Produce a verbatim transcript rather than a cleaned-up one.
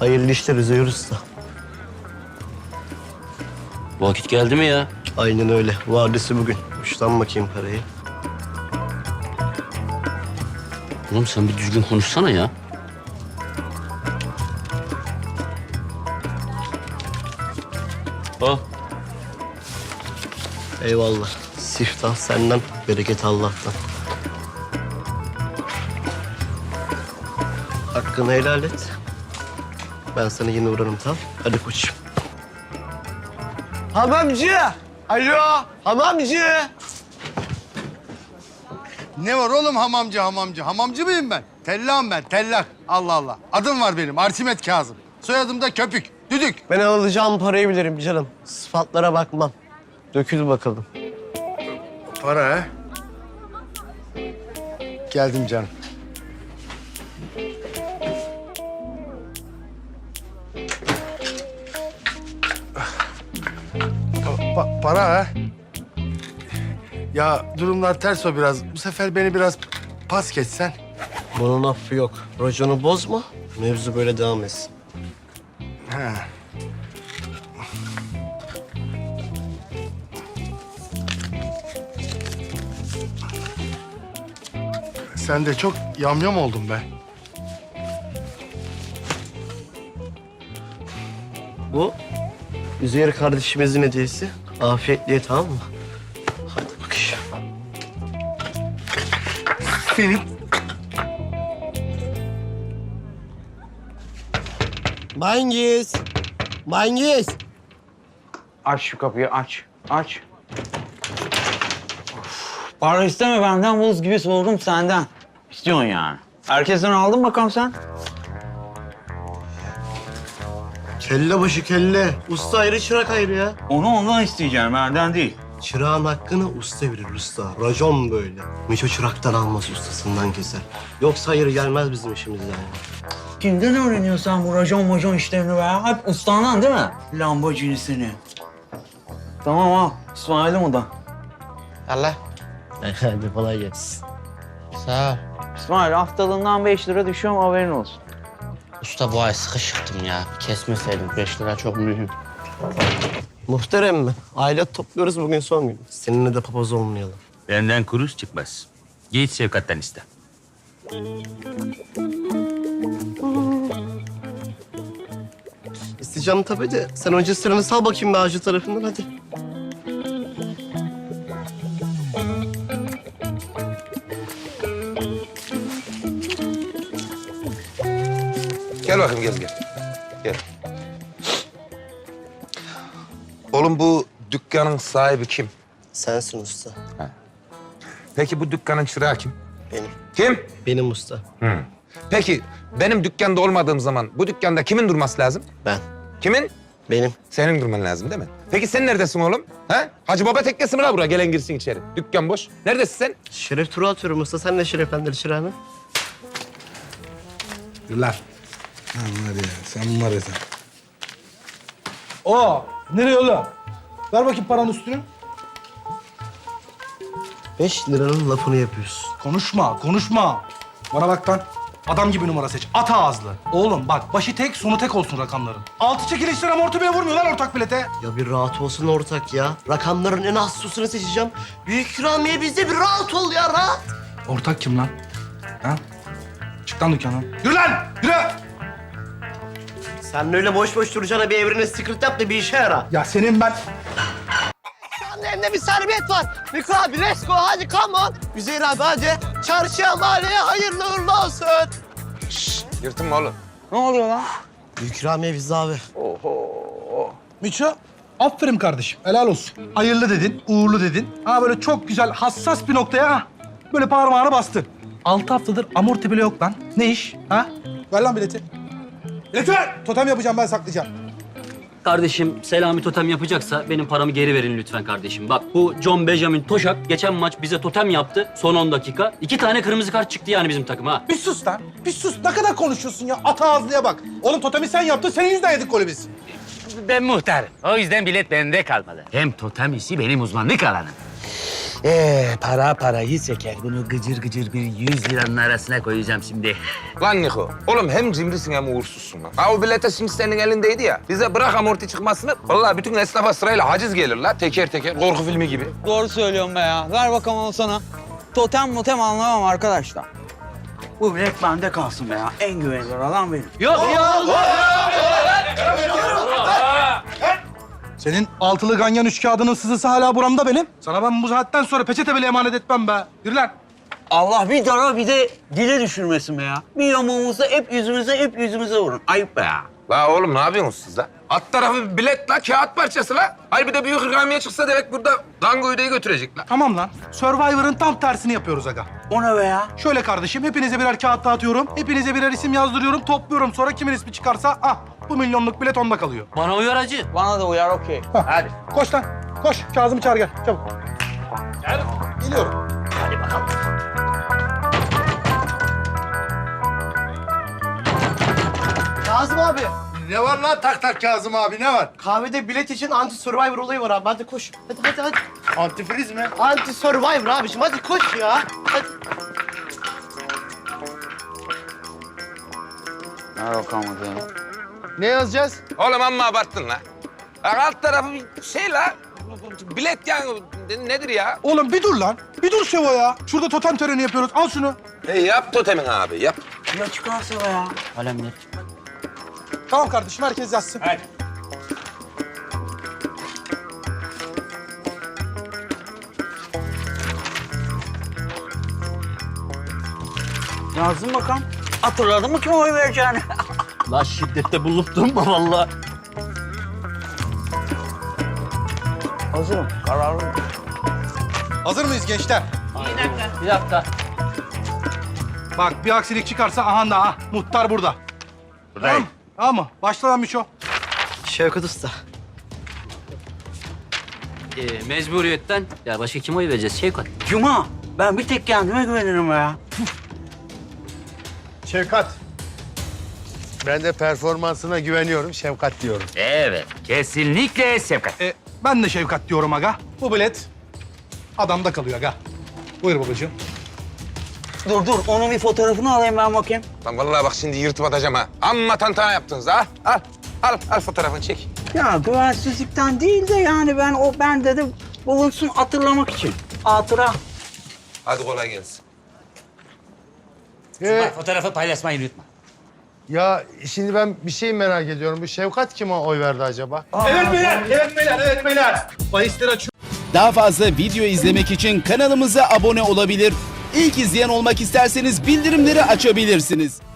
Hayırlı işler Üzeyir Usta. Vakit geldi mi ya? Aynen öyle. Vadesi bugün. Uçtan bakayım parayı. Oğlum sen bir düzgün konuşsana ya. Al. Eyvallah. Siftah senden, bereket Allah'tan. Hakkını helal et. Ben sana yine uğrarım, tamam? Hadi koçum. Hamamcı! Alo, hamamcı! Ne var oğlum hamamcı hamamcı? Hamamcı mıyım ben? Tellağım ben, tellak. Allah Allah. Adım var benim, Arsimet Kazım. Soyadım da Köpük, düdük. Ben alacağım parayı bilirim canım. Sıfatlara bakmam. Dökül bakalım. Para ha? Geldim canım. Pa- para ha? Ya durumlar ters o biraz. Bu sefer beni biraz pas geçsen. Bunun affı yok. Raconu bozma, mevzu böyle devam etsin. Ha. Sen de çok yamyam oldun be. Bu Üzeyir kardeşimizin hediyesi. Afiyetle ye, tamam mı? Hadi bakayım. Senin Mangiz! Mangiz! Aç şu kapıyı, aç. Aç. Para isteme benden, buz gibi soğudum senden. İstiyorsun yani. Herkesten aldın bakalım sen. Kelle başı kelle. Usta ayrı, çırak ayrı ya. Onu ondan isteyeceğim, benden değil. Çırağın hakkını usta verir usta. Racon böyle. Miço çıraktan almaz, ustasından keser. Yoksa hayır gelmez bizim işimize yani. Kimden öğreniyorsun sen bu racon macon işlerini be? Hep ustandan değil mi? Lambacini seni. Tamam al. İsmail'im o da. Allah. Hadi kolay gelsin. Sağ ol. İsmail haftalığından beş lira düşüyorum, haberin olsun. Usta bu ay sıkışıktım ya. Kesmeseydim. Beş lira çok mühim. Muhterem mi? Aile topluyoruz, bugün son gün. Seninle de papaz olmayalım. Benden kuruş çıkmaz. Git Şevkat'tan iste. İsteyeceğim tabii de sen önce sıranı sal bakayım be ağacı tarafından, hadi. Gel bakayım gel gel. Gel. Oğlum bu dükkanın sahibi kim? Sensin usta. Peki bu dükkanın çırağı kim? Benim. Kim? Benim usta. Hı. Peki benim dükkanda olmadığım zaman bu dükkanda kimin durması lazım? Ben. Kimin? Benim. Senin durman lazım değil mi? Peki sen neredesin oğlum? Ha? Hacı Baba teknesi mi la buraya? Gelen girsin içeri. Dükkan boş. Neredesin sen? Şeref turu atıyorum usta. Sen de şereflendir çırağını. Yürü lan. Lan var ya, sen var ya sen. Oo, nereye oğlum? Ver bakayım paranın üstünü. Beş liranın lafını yapıyorsun. Konuşma, konuşma. Bana bak lan. Adam gibi numara seç. At ağızlı. Oğlum bak, başı tek, sonu tek olsun rakamların. Altı çekilişler amorti bile vurmuyor lan ortak bilete. Ya bir rahat olsun ortak ya. Rakamların en az susunu seçeceğim. Büyük ikramiye bizde, bir rahat ol ya, rahat. Ortak kim lan? Ha? Çık lan dükkandan. Yürü lan, yürü! Sen öyle boş boş duracağına bir evrene secret yap da bir işe yara. Ya senin ben... Elimde bir servet var. Niko abi, let's go, hadi come on. Üzeyir abi hadi. Çarşıya, mahalleye hayırlı uğurlu olsun. Yırtınma oğlum. Ne oluyor lan? Büyük ikramiye bizde abi. Miço, aferin kardeşim, helal olsun. Hayırlı dedin, uğurlu dedin. Ha böyle çok güzel, hassas bir noktaya ha. Böyle parmağını bastın. Altı haftadır amorti bile yok lan. Ne iş? Ha? Ver lan bileti. Bileti ver! Totem yapacağım, ben saklayacağım. Kardeşim Selami totem yapacaksa benim paramı geri verin lütfen kardeşim. Bak bu John Benjamin Toşak geçen maç bize totem yaptı son on dakika. İki tane kırmızı kart çıktı yani bizim takıma. Bir sus lan, bir sus. Ne kadar konuşuyorsun ya? At ağızlıya bak. Oğlum totemi sen yaptın, senin yüzünden yedik golü biz. Ben muhtarım. O yüzden bilet bende kalmalı. Hem totem işi benim uzmanlık alanım. Ee, para parayı çeker. Bunu gıcır gıcır bir yüz liranın arasına koyacağım şimdi. Lan Niko, oğlum hem cimrisin hem uğursuzsun lan. Ha o bilete şimdi senin elindeydi ya. Bize bırak amorti çıkmasını. Vallahi bütün esnafa sırayla haciz gelir la. Teker teker, korku filmi gibi. Doğru söylüyorum be ya. Ver bakalım onu sana. Totem motem anlamam arkadaşlar. Bu bilet bende kalsın be ya. En güvenilir adam benim. Yok ya. Senin altılı ganyan üç kağıdının sızısı hala buramda benim. Sana ben bu saatten sonra peçete bile emanet etmem be. Yürü lan. Allah bir dara bir de dile düşürmesin be ya. Bir yamuğumuza hep yüzümüze hep yüzümüze vurun. Ayıp be ya. La oğlum ne yapıyorsunuz siz la? Alt tarafı bir bilet la, kağıt parçası la. Hayır bir de büyük ikramiye çıksa demek burada Dango Hüde'yi götürecek la. Tamam lan. Survivor'ın tam tersini yapıyoruz aga. O ne be ya? Şöyle kardeşim, hepinize birer kağıt dağıtıyorum. Hepinize birer isim yazdırıyorum, topluyorum. Sonra kimin ismi çıkarsa, ah bu milyonluk bilet onda kalıyor. Bana uyar hacı. Bana da uyar okey. Hah. Hadi. Koş lan, koş. Kazım'ı çağır gel, çabuk. Gel. Geliyorum. Kazım abi. Ne var lan tak tak Kazım abi ne var? Kahvede bilet için anti survivor olayı var abi. Hadi koş. Hadi hadi hadi. Antifriz mi? Anti survivor abiciğim. Hadi koş ya. Hadi. Ver bakalım hadi. Ne yazacağız? Oğlum amma abarttın la. La alt tarafı bir şey la. Bilet yani nedir ya? Oğlum bir dur lan. Bir dur Şevo ya. Şurada totem töreni yapıyoruz. Al şunu. E yap totemin abi yap. Ya çıkarsa be ya. Kalemler. Tamam kardeşim, herkes yazsın. Hadi. Yazdın bakalım. Hatırladın mı kime oy vereceğini? La şiddette bulup durma vallahi. Hazırım. Kararlıyım. Hazır mıyız gençler? Bir dakika. Bak bir aksilik çıkarsa aha da ha. Muhtar burada. Buradayım. Tamam mı? Başla lan Miço. Şevkat Usta. Ee, mecburiyetten ya başka kim oy vereceğiz Şevkat? Cuma, ben bir tek kendime güvenirim be ya. Şevkat. Ben de performansına güveniyorum. Şevkat diyorum. Evet, kesinlikle Şevkat. E, ben de Şevkat diyorum aga. Bu bilet adamda kalıyor aga. Buyur babacığım. Dur dur, onun bir fotoğrafını alayım ben bakayım. Lan vallahi bak şimdi yırtıp atacağım ha. Amma tantana yaptınız ha. Al, al, al fotoğrafını çek. Ya güvensizlikten değil de yani ben o bende de bulunsun hatırlamak için. Hatıra. Hadi kolay gelsin. Ee, Fotoğrafı paylaşmayı unutma. ya şimdi ben bir şey merak ediyorum. Bu Şevkat kime oy verdi acaba? Evet beyler, evet beyler, evet beyler. Bahisleri açıyorum. Daha fazla video izlemek için kanalımıza abone olabilir. İlk izleyen olmak isterseniz bildirimleri açabilirsiniz.